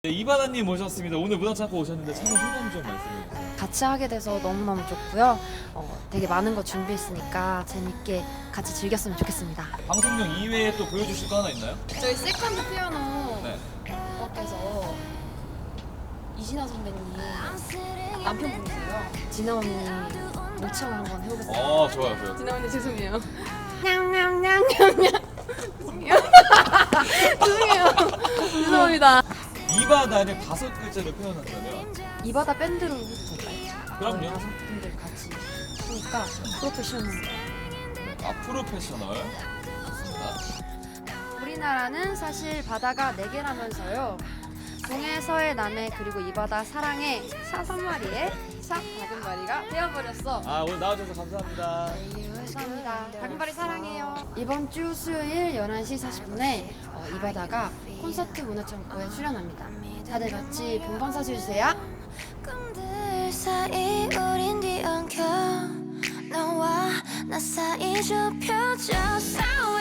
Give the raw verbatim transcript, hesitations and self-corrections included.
네, 이바다님 모셨습니다. 오늘 문화창고 오셨는데 참여 소감 좀 말씀해 주세요. 같이 하게 돼서 너무너무 좋고요. 어, 되게 많은 거 준비했으니까 재밌게 같이 즐겼으면 좋겠습니다. 방송용 이외에 또 보여주실 거 하나 있나요? 저희 세컨드 피아노 네. 밖에서 이진아 선배님 남편분이세요. 진아 언니 모창을 한번 해보겠습니다. 어, 좋아요, 좋아요. 진아 언니 죄송해요. 냥냥냥냥냥 죄송해요. 죄송해요. 죄송합니다. 이바다를 다섯 글자로 표현한다면 이바다 밴드로 해도 될까요? 그럼요. 다섯 분들 같이 하니까 프로페셔널. 아, 프로페셔널. 좋습니다. 우리나라는 사실 바다가 네 개라면서요. 동해, 서해, 남해 그리고 이 바다 사랑해 사삼 마리에 사 작은 마리가 되어버렸어. 아, 오늘 나와주셔서 감사합니다. 감사합니다. 작은 마리 사랑해요. 이번 주 수요일 열한 시 사십 분에 어, 이 바다가 콘서트 문화창고에 출연합니다. 다들 같이 본방 사수해주세요. 꿈들 사이 우린 뒤엉켜 너와 나 사이 좁혀져 싸워